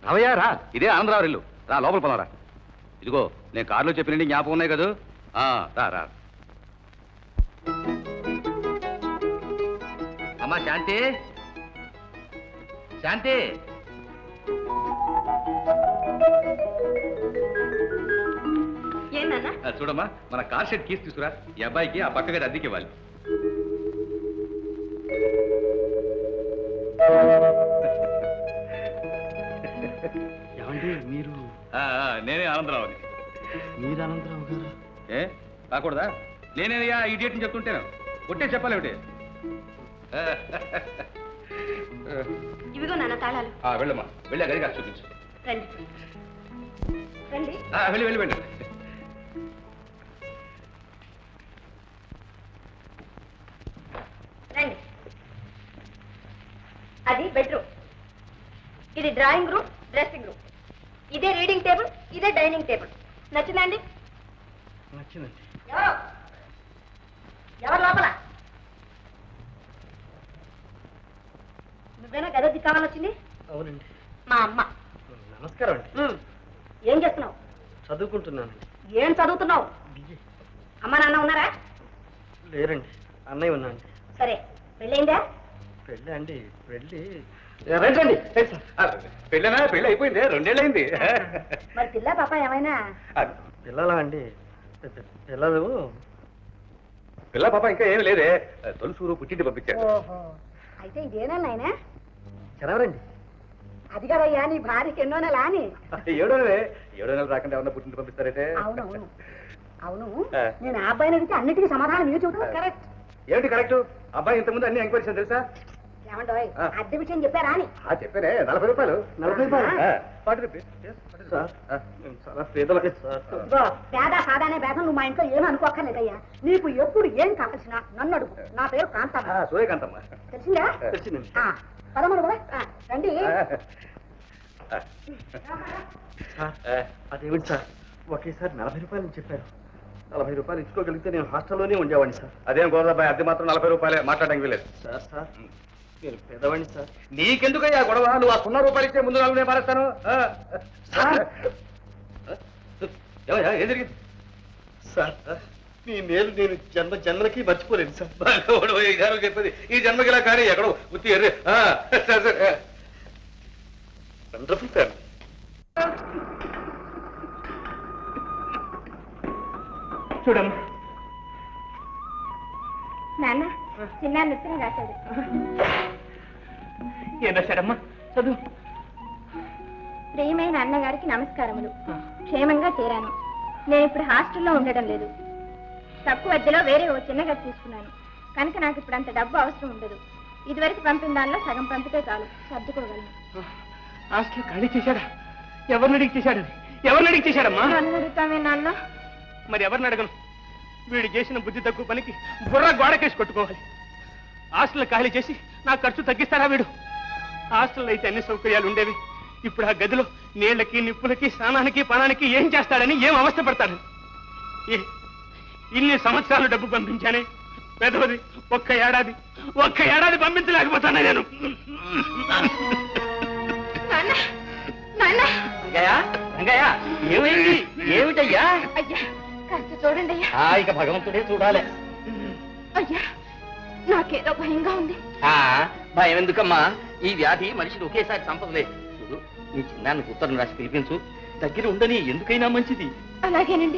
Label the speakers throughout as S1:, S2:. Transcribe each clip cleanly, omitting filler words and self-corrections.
S1: రావయ్యా రా, ఇదే ఆనందరావు ఇల్లు. రా లోపల పోదారా. ఇదిగో నేను కారులో చెప్పినండి జ్ఞాపకం ఉన్నాయి కదా. రా రా. అమ్మా శాంతి, శాంతి. చూడమ్మా, మన కార్ షెడ్ కీస్ తీసుకురా. ఈ అబ్బాయికి ఆ పక్క గది అద్దెకి ఇవ్వాలి.
S2: ఏమండి మీరు?
S1: నేనే ఆనందరావుని.
S2: మీరు ఆనందరావు గారు?
S1: ఏ కాకూడదా? నేనేనయ్యా ఇడియట్ అని చెప్తుంటేను. కొట్టే చెప్పాలి ఒకటి.
S3: ఇవిగో నాన్న తాళాలు.
S1: వెళ్ళమ్మా, వెళ్ళి ఆ గది కాదు చూపించు.
S3: రండి రండి.
S1: వెళ్ళి వెళ్ళి వెళ్ళి.
S3: రండి. అది బెడ్రూమ్, ఇది డ్రాయింగ్ రూమ్, డ్రెస్సింగ్ రూమ్, ఇదే రీడింగ్ టేబుల్, ఇదే డైనింగ్ టేబుల్. నచ్చిందండి?
S2: నచ్చిందండి.
S3: ఎవరు లోపల? నువ్వేనా గది కావాలని వచ్చింది?
S2: అవునండి.
S3: మా అమ్మ.
S2: నమస్కారం అండి.
S3: ఏం చేస్తున్నావు?
S2: చదువుకుంటున్నానండి.
S3: ఏం చదువుతున్నావు? అమ్మ నాన్న ఉన్నారా?
S2: లేరండి, అన్నయ్య ఉన్నాండి.
S3: సరే, పెళ్ళయిందా?
S2: పెళ్ళి అండి, పెళ్ళి
S1: రండి. పెళ్ళనా? పెళ్ళి అయిపోయింది, 2 ఏళ్ళు అయింది.
S3: మరి పిల్ల పాప ఏమైనా?
S2: పిల్లలా అండి? పిల్లలు
S1: పిల్ల పాప ఇంకా ఏమి లేదే. తొలుసూరు పుట్టింటి పంపించారు.
S3: ఓహో, అయితే ఇదేనా నాయనా?
S2: చదవరండి.
S3: అది కదయ్యా నీ భార్యకి ఎన్నో నెల అని.
S1: 7వ నెలే. 7వ నెల రాకుండా ఎవరన్నా పుట్టింటి పంపిస్తారైతే?
S3: అవునవును అవును. నేను ఆ అబ్బాయిని అడిగితే అన్నిటికీ సమాధానం మీరు చెబుతాను. కరెక్ట్.
S1: ఏమిటి కరెక్ట్? అబ్బాయి ఇంతకుముందు అన్ని ఎంక్వైరీస్ తెలుసా?
S3: ఏమంటాయ్, అద్దె విషయం చెప్పారా అని?
S1: చెప్పానే. 40 రూపాయలు.
S2: 40 రూపాయలు?
S1: 40 రూపీస్.
S2: చాలా పేదవాడి సార్.
S3: పేద సాదానే భేదం నువ్వు మా ఇంట్లో ఏమీ అనుకోక్కర్లేదయ్యా. నీకు ఎప్పుడు ఏం కావాల్సినా నన్ను అడుగు. నా పేరు కాంతమ్మ.
S1: సూర్యకాంతమ్మ.
S3: తెలిసిందా?
S2: తెలిసిందండి.
S3: పదమూడు కూడా రండి.
S2: అదేమిటి సార్, ఒకేసారి 40 రూపాయలు చెప్పారు. 40 రూపాయలు ఇచ్చుకోగలిగితే నేను హాస్టల్లోనే ఉండేవాడిని సార్.
S1: అదేం గోదాబాయ్, అద్దె మాత్రం 40 రూపాయలే. మాట్లాడడానికి లేదు
S2: సార్. సార్ నేను పేదవాడిని సార్.
S1: నీకెందుకయ్యా గొడవ? నువ్వు ఆ 0 రూపాయలు ఇచ్చే ముందు 4 నేను మారేస్తాను. ఏం జరిగింది
S2: సార్? మీ మేలు నేను జన్మలకి మర్చిపోలేను సార్.
S1: చెప్పేది ఈ జన్మకి ఇలా కానీ ఎక్కడో ఉత్తి ఎర్రే.
S2: Wonderful family. చూడమ్మా,
S3: నాన్న చిన్న నృత్యం రాశాడు.
S2: ఏం రాశాడమ్మా? చదువు.
S3: ప్రియమైన అన్నగారికి నమస్కారములు. క్షేమంగా చేరాను. నేను ఇప్పుడు హాస్టల్లో ఉండడం లేదు. తక్కువ అద్దెలో వేరే ఓ చిన్న గది తీసుకున్నాను కనుక నాకు ఇప్పుడు అంత డబ్బు అవసరం ఉండదు. ఇదివరకు పంపిన దానిలో సగం పంపితే చాలు, సర్దుకోగలను.
S2: హాస్టల్ ఖాళీ చేశాడా? ఎవరిని అడిగి చేశాడు? ఎవరిని అడిగి చేశాడమ్మా?
S3: నన్ను అడుగుతామే నాన్న.
S2: మరి ఎవరిని అడగను? వీడు చేసిన బుద్ధి తక్కువ పనికి బుర్ర గోడకేసి కొట్టుకోవాలి. హాస్టల్ ఖాళీ చేసి నా ఖర్చు తగ్గిస్తాడా వీడు? హాస్టల్లో అయితే అన్ని సౌకర్యాలు ఉండేవి. ఇప్పుడు ఆ గదిలో నీళ్లకి, నిప్పులకి, స్నానానికి, పానానికి ఏం చేస్తాడని, ఏం అవస్థ పడతాడని. ఇన్ని సంవత్సరాలు డబ్బు పంపించానే, పెదవది ఒక్క ఏడాది పంపించలేకపోతానే నేను. ఏమైంది? ఏమిటయ్యా?
S3: అయ్యా కాస్త చూడండి అయ్యా.
S2: ఇక భగవంతుడే చూడాలి.
S3: అయ్యా నాకేదో భయంగా ఉంది.
S2: భయం ఎందుకమ్మా? ఈ వ్యాధి మనిషిని ఒకేసారి చంపదులే. చూడు, నీ చిన్నానికి ఉత్తరం రాసి పిలిపించు. దగ్గర ఉండని, ఎందుకైనా మంచిది.
S3: అలాగేనండి.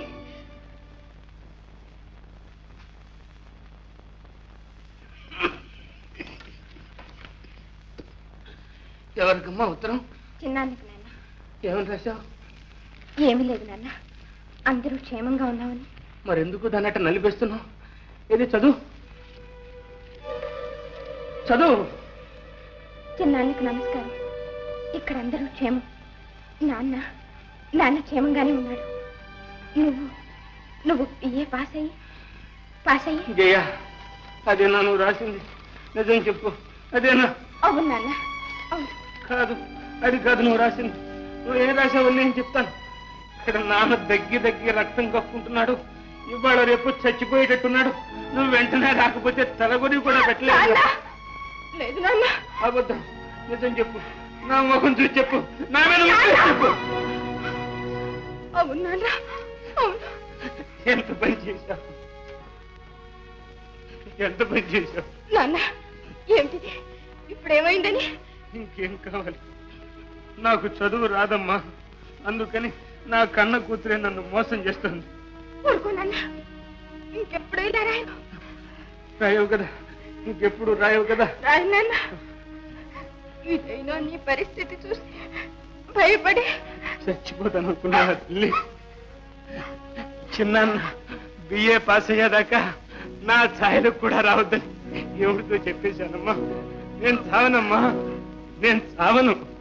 S2: ఎవరికమ్మా ఉత్తరం?
S3: చిన్నానికి నాన్న.
S2: ఏమని రాశావు?
S3: ఏమీ లేదు నాన్న, అందరూ క్షేమంగా ఉన్నామని.
S2: మరెందుకు దాన్ని అట్ట నలిపేస్తున్నావు? ఏది చదువు.
S3: చిన్నానికి నమస్కారం. ఇక్కడ అందరూ క్షేమం. నాన్న క్షేమంగానే ఉన్నాడు. నువ్వు ఏ పాస్ అయ్యి
S2: జయ, అదేనా నువ్వు రాసింది? నిజం చెప్పు, అదేనా?
S3: అవును నాన్న, అవును.
S2: కాదు, అది కాదు నువ్వు రాసింది. నువ్వు ఏం రాసావు నేను చెప్తాను. ఇక్కడ నాన్న దగ్గి రక్తం కప్పుకుంటున్నాడు. ఇవాళ రేపు చచ్చిపోయేటట్టున్నాడు. నువ్వు వెంటనే రాకపోతే తలగొని కూడా పెట్టలేదు.
S3: లేదు నాన్న.
S2: అబద్ధం. నిజం చెప్పు. నా ముఖం చూసి చెప్పు, నా మీద ఒట్టు చెప్పు.
S3: అవును నాన్న, అవును.
S2: ఎంత పని చేశావు, ఎంత పని చేశావు.
S3: నాన్న ఏమిటిది, ఇప్పుడు ఏమైందని?
S2: ఇంకేం కావాలి, నాకు చదువు రాదమ్మా, అందుకని నా కన్న కూతురే నన్ను మోసం చేస్తుంది.
S3: ఊరుకో నాన్న, ఇంకెప్పుడు ఇలా రాయను.
S2: రాయవు కదా, ఇంకెప్పుడు రాయవు కదా.
S3: రాయను నాన్న. ఇదైనా నీ పరిస్థితి చూసి భయపడి
S2: చచ్చిపోతాను అనుకున్నా తల్లి. చిన్న బిఏ పాస్ అయ్యేదాకా నా ఛాయలకు కూడా రావద్దని ఎవరితో చెప్పేశానమ్మా. నేను చావనమ్మా, నేను చావను.